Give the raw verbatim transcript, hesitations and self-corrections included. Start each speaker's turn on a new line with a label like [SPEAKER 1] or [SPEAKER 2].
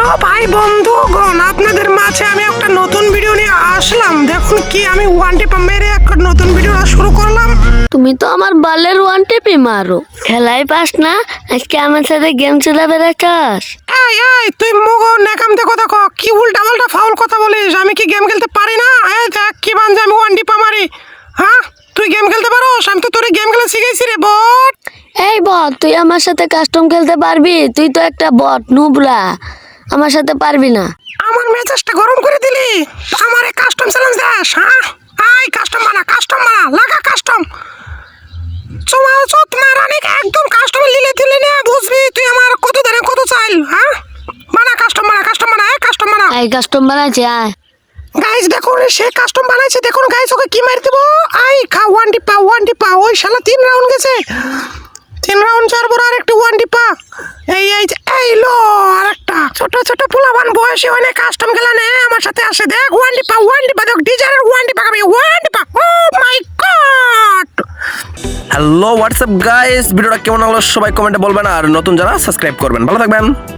[SPEAKER 1] Hello ভাই বন্ধুগণ, আপনাদের মাঝে আমি একটা নতুন ভিডিও নিয়ে আসলাম। দেখুন কি আমি ওয়ান টিপ মেরে একটা নতুন ভিডিও শুরু করলাম।
[SPEAKER 2] তুমি তো আমার বালের ওয়ান টিপি মারো, খেলাই পাস না, আজকে আমার সাথে গেম খেলা বেড়াচ্ছাস।
[SPEAKER 1] এই এই তুই মুগ নেকাম দেখো দেখো কি উল্টা পাল্টা ফাউল কথা বলিস। আমি কি গেম খেলতে পারি না? এই দেখ কি বানজে আমি ওয়ান টিপ মারি। হ্যাঁ তুই গেম খেলতে পারোস? আমি তো তোর গেম খেলা শিখাইছি রে বট।
[SPEAKER 2] এই বট, তুই আমার সাথে কাস্টম খেলতে পারবি? তুই তো একটা বট নুবরা, আমার সাথে পারবি না।
[SPEAKER 1] আমার মেজাজটা গরম করে দিলি। আমার এই কাস্টম চ্যালেঞ্জ দাস। হ্যাঁ আই কাস্টম বানা, কাস্টম বানা, লাগা কাস্টম। চুমা চুত মারানি একদম কাস্টম লিলে দিলে না, বুঝবি তুই আমার কত দেনে কত চাইল। হ্যাঁ বানা কাস্টম বানা, কাস্টম বানা, এই কাস্টম বানা।
[SPEAKER 2] এই কাস্টম বানাইছে আয়।
[SPEAKER 1] গাইস দেখুন সে কাস্টম বানাইছে, দেখুন গাইস ওকে কি মার দেবো। আই খা ওয়ান টিপা, ওয়ান টিপা। ওই শালা তিন রাউন্ড গেছে, তিন রাউন্ড চার বড় আরেকটা ওয়ান টিপা। এই এই যে এই লো আরেকটা ছোট ছোট পোলাবান বয়সে অনেক কাস্টম খেলা নে আমার সাথে আসে। দেখ ওয়ান টিপা, ওয়ান টিপা, দেখ ডিজাইনের ওয়ান টিপা খাবি, ওয়ান টিপা। Oh my god.
[SPEAKER 3] Hello WhatsApp guys, ভিডিওটা কেমন হলো সবাই কমেন্টে বলবেন, আর নতুন যারা সাবস্ক্রাইব করবেন। ভালো থাকবেন।